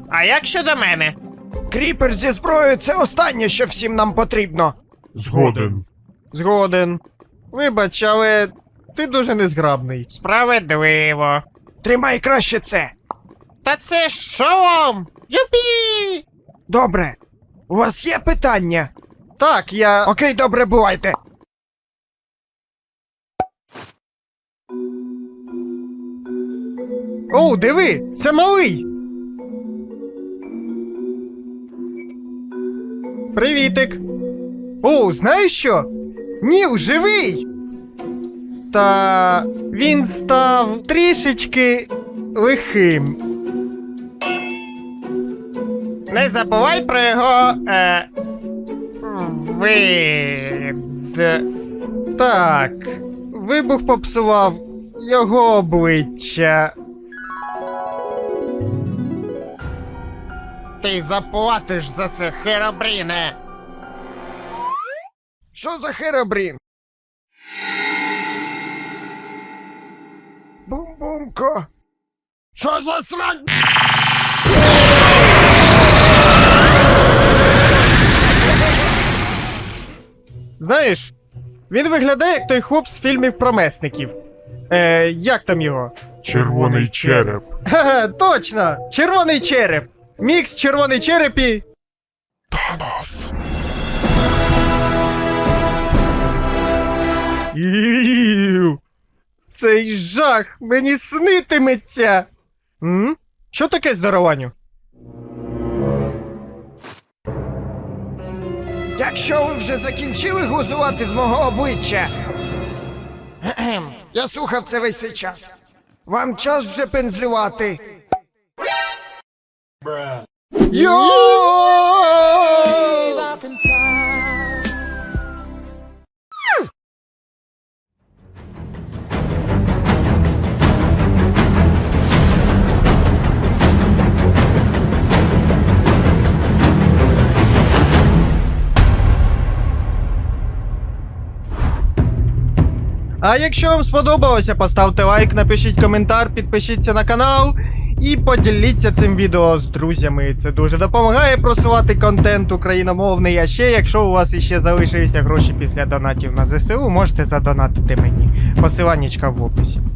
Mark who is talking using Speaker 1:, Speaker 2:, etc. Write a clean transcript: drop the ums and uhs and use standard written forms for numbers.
Speaker 1: А як щодо мене?
Speaker 2: Кріпер зі зброєю — це останнє, що всім нам потрібно.
Speaker 3: Згоден.
Speaker 4: Згоден. Вибач, але ти дуже незграбний.
Speaker 1: Справедливо.
Speaker 2: Тримай краще це.
Speaker 1: Та це ж шолом! Юпі!
Speaker 2: Добре. У вас є питання?
Speaker 4: Так, я...
Speaker 2: Окей, добре, бувайте.
Speaker 4: Оу, диви! Це малий! Привітик! Оу, знаєш що? Ніл живий! Та він став трішечки лихим.
Speaker 1: Не забувай про його. Вид.
Speaker 4: Так, вибух попсував його обличчя.
Speaker 1: Ти заплатиш за це, Херобріне!
Speaker 2: Що за Херобрін? Бум-бумко.
Speaker 1: Що за срань?
Speaker 4: Знаєш, він виглядає як той хлоп з фільмів про месників. Як там його?
Speaker 3: Червоний череп.
Speaker 4: Ха-ха, точно! Червоний череп! Мікс червоний череп і...
Speaker 3: Танос.
Speaker 4: Іу, цей жах мені снитиметься! Що таке здарованню?
Speaker 2: Якщо ви вже закінчили глузувати з мого обличчя, я слухав це весь цей час. Вам час вже пензлювати.
Speaker 4: Йоу! А якщо вам сподобалося, поставте лайк, напишіть коментар, підпишіться на канал і поділіться цим відео з друзями. Це дуже допомагає просувати контент україномовний. А ще, якщо у вас іще залишилися гроші після донатів на ЗСУ, можете задонатити мені. Посиланнячка в описі.